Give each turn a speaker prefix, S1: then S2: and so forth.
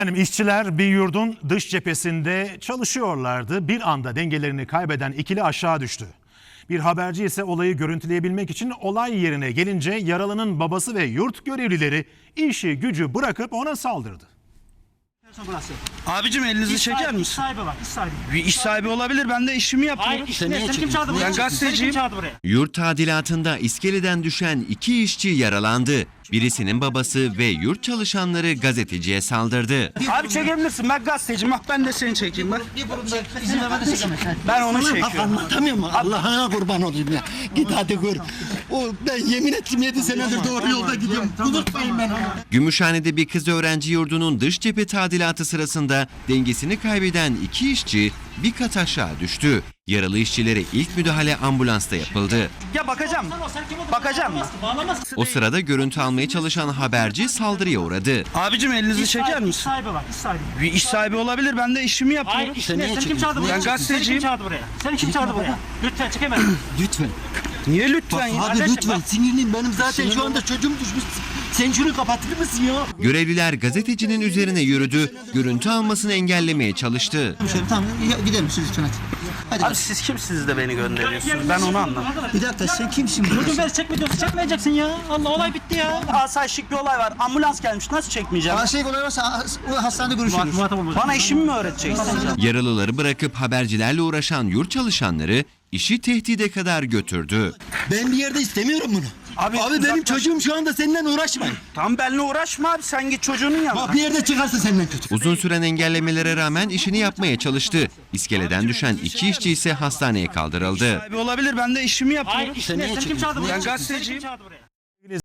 S1: İşçiler bir yurdun dış cephesinde çalışıyorlardı. Bir anda dengelerini kaybeden ikili aşağı düştü. Bir haberci ise olayı görüntüleyebilmek için olay yerine gelince yaralının babası ve yurt görevlileri işi gücü bırakıp ona saldırdı.
S2: Burası.
S3: Abicim elinizi çeker misin?
S2: İş sahibi var, iş sahibi.
S3: Bir iş sahibi olabilir. Ben de işimi yapıyorum.
S2: Hayır, seni kim çağırdı buraya?
S3: Ben gazeteciyim.
S2: Seni kim çağırdı buraya?
S4: Yurt tadilatında iskeleden düşen iki işçi yaralandı. Birisinin babası ve yurt çalışanları gazeteciye saldırdı.
S3: Abi çekebilirsin. Ben gazeteciyim. Bak ben de seni çekeyim. Bak.
S2: İzin vermeden çekemezsin.
S3: Ben onu çekiyorum.
S5: Anlatamıyor mu? Allah'ına kurban olayım ya. Git hadi gör. Ben yemin ettim 7 senedir doğru yolda gidiyorum. Unutmayın beni.
S4: Gümüşhane'de bir kız öğrenci yurdunun dış cephe tadilatı sırasında dengesini kaybeden iki işçi bir kat aşağı düştü. Yaralı işçilere ilk müdahale ambulansta yapıldı.
S3: Ya bakacağım. Bakacağım mı?
S4: O sırada görüntü almaya çalışan haberci saldırıya uğradı.
S3: Abicim elinizi çeker
S2: İş
S3: misin?
S2: sahibi var, iş sahibi.
S3: Bir iş sahibi olabilir. Ben de işimi yapıyorum.
S2: Hayır, seni kim çağırdı buraya?
S3: Ben gazeteciyim.
S2: Seni kim çağırdı buraya? Seni kim çağırdı buraya? Lütfen çekemezsin.
S5: Lütfen.
S3: Niye lütfen ya?
S5: Abi
S2: Kardeşim,
S5: lütfen
S2: bak.
S5: sinirliyim. Benim zaten şu anda çocuğum düşmüş. Sen şunu kapatır mısın ya?
S4: Görevliler gazetecinin üzerine yürüdü, görüntü almasını engellemeye çalıştı.
S5: Tamam gidelim siz lütfen hadi. Hadi.
S3: Abi siz kimsiniz de beni gönderiyorsunuz? Ben onu anlamadım.
S5: Bir dakika sen kimsin?
S2: Çocuğum ben çekme diyorsun, çekmeyeceksin ya. Allah olay bitti ya.
S3: Asayişlik bir olay var. Ambulans gelmiş. Nasıl çekmeyeceğim?
S5: Şey kolay varsa o hastanede görüşürüz.
S2: Muhatap olma.
S3: Bana işimi mi öğreteceksin?
S4: Yaralıları bırakıp habercilerle uğraşan yurt çalışanları işi tehdide kadar götürdü.
S5: Ben bir yerde istemiyorum bunu. Abi benim
S3: uzaklaş.
S5: çocuğum şu anda seninle uğraşmayın.
S3: Tam benimle uğraşma abi. Sen git çocuğunun yanına.
S5: Bak bir yerde çıkarsa senden kötü.
S4: Uzun süren engellemelere rağmen işini yapmaya çalıştı. İskeleden düşen iki işçi ise hastaneye kaldırıldı.
S3: Sahibi olabilir. Ben de işimi yapıyorum.
S2: Hayır, seni kim çağırdı buraya?
S3: Ben gazeteciyim.
S2: Seni kim çağırdı buraya?